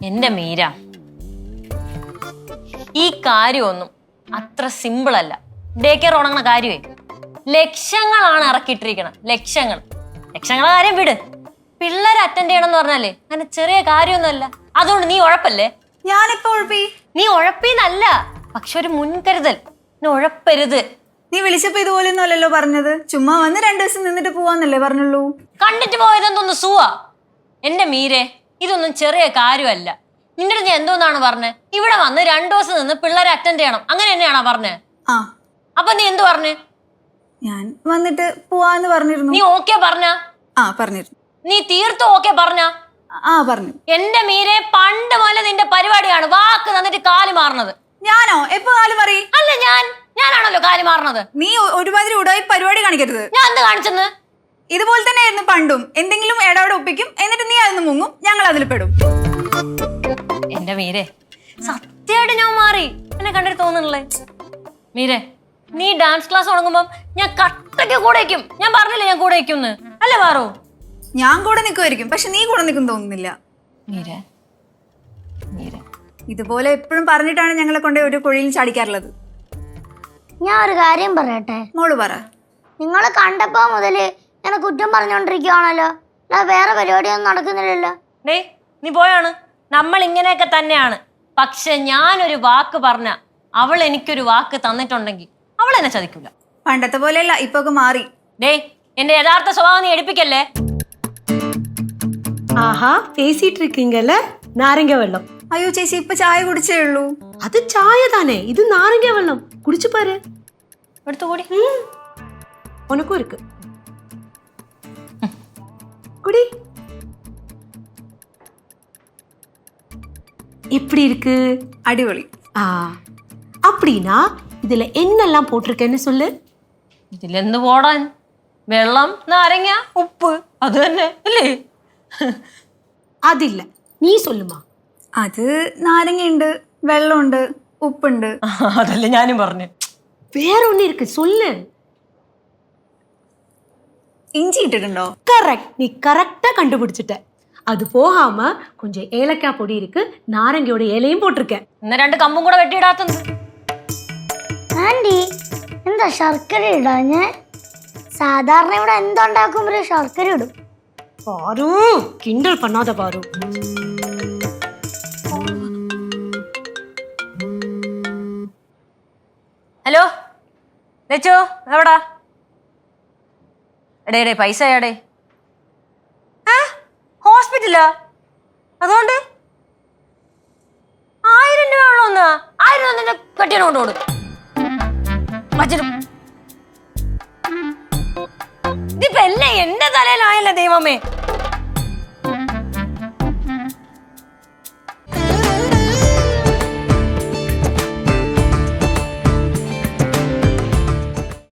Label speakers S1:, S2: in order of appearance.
S1: എന്റെ മീര, ഈ കാര്യമൊന്നും അത്ര സിമ്പിൾ അല്ല. ഡേ കെയർ ഉണങ്ങുന്ന കാര്യമേ ലക്ഷങ്ങളാണ് ഇറക്കിയിട്ടിരിക്കണം. ലക്ഷങ്ങളെ കാര്യം വിട്. പിള്ളേരെ അറ്റൻഡ് ചെയ്യണം എന്ന് പറഞ്ഞാലേ അങ്ങനെ ചെറിയ കാര്യമൊന്നുമല്ല. അതുകൊണ്ട് നീ ഉഴപ്പല്ലേ.
S2: ഞാനിപ്പോ ഉഴപ്പി?
S1: നീ ഉഴപ്പിന്നല്ല, പക്ഷെ ഒരു മുൻകരുതൽ. നീ ഉഴപ്പരുത്.
S2: നീ വിളിച്ചപ്പോ ഇതുപോലെയൊന്നും അല്ലല്ലോ പറഞ്ഞത്. ചുമ്മാ വന്ന് 2 ദിവസം നിന്നിട്ട് പോവാന്നല്ലേ പറഞ്ഞുള്ളൂ.
S1: കണ്ടിട്ട് പോയതെന്തോന്ന് സുവാ. എന്റെ മീരെ, ഇതൊന്നും ചെറിയ കാര്യമല്ല. നിന്റെ അടുത്ത് ഞാൻ എന്തോന്നാണ് പറഞ്ഞത്? ഇവിടെ വന്ന് 2 ദിവസം നിന്ന് പിള്ളേരെ അറ്റൻഡ് ചെയ്യണം, അങ്ങനെ തന്നെയാണോ പറഞ്ഞത്?
S2: ആ.
S1: അപ്പൊ നീ എന്ത് പറഞ്ഞു?
S2: ഞാൻ വന്നിട്ട് പോവാന്ന് പറഞ്ഞിരുന്നു.
S1: നീ ഓക്കെ പറഞ്ഞ?
S2: ആ പറഞ്ഞിരുന്നു.
S1: നീ തീർത്തും ഓക്കെ പറഞ്ഞ?
S2: ആ പറഞ്ഞു.
S1: എന്റെ മീരെ, പണ്ട് പോലെ നിന്റെ പരിപാടിയാണ് വാക്ക് തന്നിട്ട് കാല് മാറണത്.
S2: ഞാനോ എപ്പോ കാല് മാറി?
S1: അല്ല, ഞാനാണല്ലോ കാല് മാറണത്.
S2: നീ ഒരുമാതിരി ഉടായി പരിപാടി കാണിക്കരുത്.
S1: ഞാൻ എന്ത് കാണിച്ചെന്ന്?
S2: ഇതുപോലെ തന്നെ ആയിരുന്നു പണ്ടും. എന്തെങ്കിലും ഇടവിടെ ഒപ്പിക്കും, എന്നിട്ട് നീ അതിന് മുങ്ങും, ഞങ്ങൾ അതിൽ പെടും.
S1: എന്റെ മീരെ, സത്യമായിട്ട് ഞാൻ മാറി. എന്നെ കണ്ടിട്ട് തോന്നുന്നില്ലേ? മീരെ, നീ ഡാൻസ് ക്ലാസ് തുടങ്ങുമ്പോ ഞാൻ കട്ടയ്ക്ക് കൂടെ വയ്ക്കും. ഞാൻ പറഞ്ഞില്ലേ ഞാൻ കൂടെ വയ്ക്കും അല്ലേ മാറൂ?
S2: ഞാൻ കൂടെ നിൽക്കുമായിരിക്കും, പക്ഷെ നീ കൂടെ നിൽക്കും തോന്നുന്നില്ല.
S1: മീരെ, മീരെ,
S2: ഇതുപോലെ എപ്പോഴും പറഞ്ഞിട്ടാണ് ഞങ്ങളെ കൊണ്ട് ഒരു കുഴിയിൽ ചാടിക്കാറുള്ളത്.
S3: ഞാൻ ഒരു കാര്യം പറയട്ടെ?
S2: മോള് പറ.
S3: നിങ്ങളെ കണ്ടപ്പോ മുതല് ഞാൻ കുറ്റം പറഞ്ഞോണ്ടിരിക്കുവാണല്ലോ. വേറെ പരിപാടിയൊന്നും നടക്കുന്നില്ലല്ലോ.
S1: ഡേ, നീ പോയാണ്. നമ്മൾ ഇങ്ങനെയൊക്കെ തന്നെയാണ്. പക്ഷെ ഞാനൊരു വാക്ക് പറഞ്ഞ അവൾ എനിക്കൊരു വാക്ക് തന്നിട്ടുണ്ടെങ്കിൽ അവൾ എന്നെ ചതിക്കൂല.
S2: പണ്ടത്തെ പോലെയല്ല, ഇപ്പൊ ഒക്കെ മാറി.
S1: ഡേ, എന്റെ യഥാർത്ഥ സ്വഭാവം നീ എടുപ്പിക്കല്ലേ.
S4: ആഹാ, പേസിട്ട് இருக்கீங்கல்ல? നാരങ്ങ വെള്ളം.
S2: അയ്യോ ചേച്ചി, ഇപ്പൊ ചായ കുടിച്ചേ ഉള്ളൂ.
S4: അത് ചായ താനേ, ഇത് നാരങ്ങ വെള്ളം. കുടിച്ചു പാரு.
S1: എടുത്തു കൂടി.
S4: ഉനക്കും இருக்கு. குடி. எப்படி இருக்கு?
S2: അടിപൊളി.
S4: ஆ, அப்படினா இதுல என்னெல்லாம் போட்டிருக்கேன்னு சொல்லு.
S1: ഇതിലെന്ത് പോടാൻ? വെള്ളം, നാരങ്ങ, ഉപ്പ്, അത് തന്നെ അല്ലേ?
S4: അതില്ല, നീ சொல்லுமா.
S2: അത് നാരങ്ങയുണ്ട്, വെള്ളമുണ്ട്, ഉപ്പുണ്ട്.
S1: അതല്ലേ ഞാനും പറഞ്ഞു.
S4: വേற ஒண்ணு இருக்கு, சொல்லு.
S2: ഇഞ്ചി ഇട്ടിട്ടുണ്ടോ?
S4: கரெக்ட், நீ கரெக்டா கண்டுபிடிச்சிட்ட. அது போகாம கொஞ்சம் ஏலக்காய் பொடி இருக்கு, நாரங்கயோட இலையும் போட்டிருக்கேன்.
S1: ഇന്ന് 2 കമ്പും കൂടെ വെട്ടിയിടാത്തത്.
S3: ആന്റി, എന്താ ശർക്കര ഇടാഞ്ഞേ? സാധാരണ ഇവിടെ എന്തുണ്ടാക്കുമ്പോഴേ ശർക്കര ഇടും.
S4: பாரு, கிண்டல் பண்ணாத பாரு.
S1: ഹലോ ലച്ചു, എവിടാ? എടേ പൈസ എടേ? ഹോസ്പിറ്റലാ? അതുകൊണ്ട് 1000 രൂപ ഉള്ളൂ. 1000 നിന്റെ കെട്ടിയാണ് കൊണ്ടുപോടും. ഇതിപ്പോ എല്ലാം എന്റെ തലയിലായല്ലേ ദൈവമേ.